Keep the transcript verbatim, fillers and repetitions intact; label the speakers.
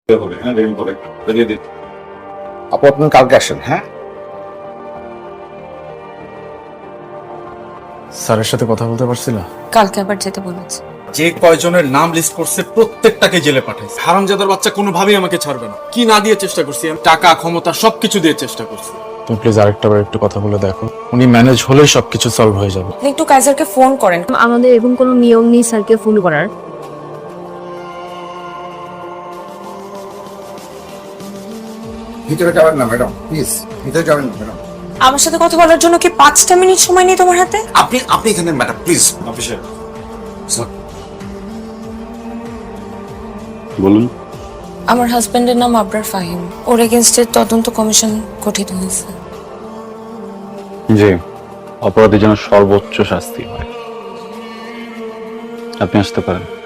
Speaker 1: হবে হ্যাঁ রেডি করে বেরিয়ে দিন।
Speaker 2: আপু আপনি কালকে আসেন। হ্যাঁ,
Speaker 3: স্যারের সাথে কথা বলতে পারছিল?
Speaker 4: কালকে আবার যেতে বলেছে।
Speaker 5: যে কয়জনের নাম লিস্ট করছে প্রত্যেকটাকে জেলে পাঠাইছে। হারামজাদার বাচ্চা কোনোভাবেই আমাকে ছাড়বে না। কি না দিয়ে চেষ্টা করছি আমি? টাকা, ক্ষমতা সবকিছু দিয়ে চেষ্টা করছি।
Speaker 3: তুমি প্লিজ আরেকটা বার একটু কথা বলে দেখো, উনি ম্যানেজ হলেই সবকিছু সলভ হয়ে যাবে।
Speaker 4: আপনি একটু কাইজারকে ফোন করেন।
Speaker 6: আমাদের এরকম কোনো নিয়ম নেই স্যারকে ফোন করার।
Speaker 2: ভিতরে যাবেন না ম্যাডাম, প্লিজ ভিতরে যাবেন না ম্যাডাম।
Speaker 4: আমার সাথে কথা বলার জন্য কি পাঁচটা মিনিট সময় নেই তোমার হাতে?
Speaker 2: আপনি আপনি এখানে ম্যাডাম প্লিজ।
Speaker 1: অফিসে বলুন।
Speaker 4: আমার হাজবেন্ডের নাম আবরার ফাহিম। ওর এগেনস্টে তদন্ত কমিশন গঠিত হয়েছে।
Speaker 7: জি, অপরাধী যেন সর্বোচ্চ শাস্তি হয়। আপনি আসতে পারেন।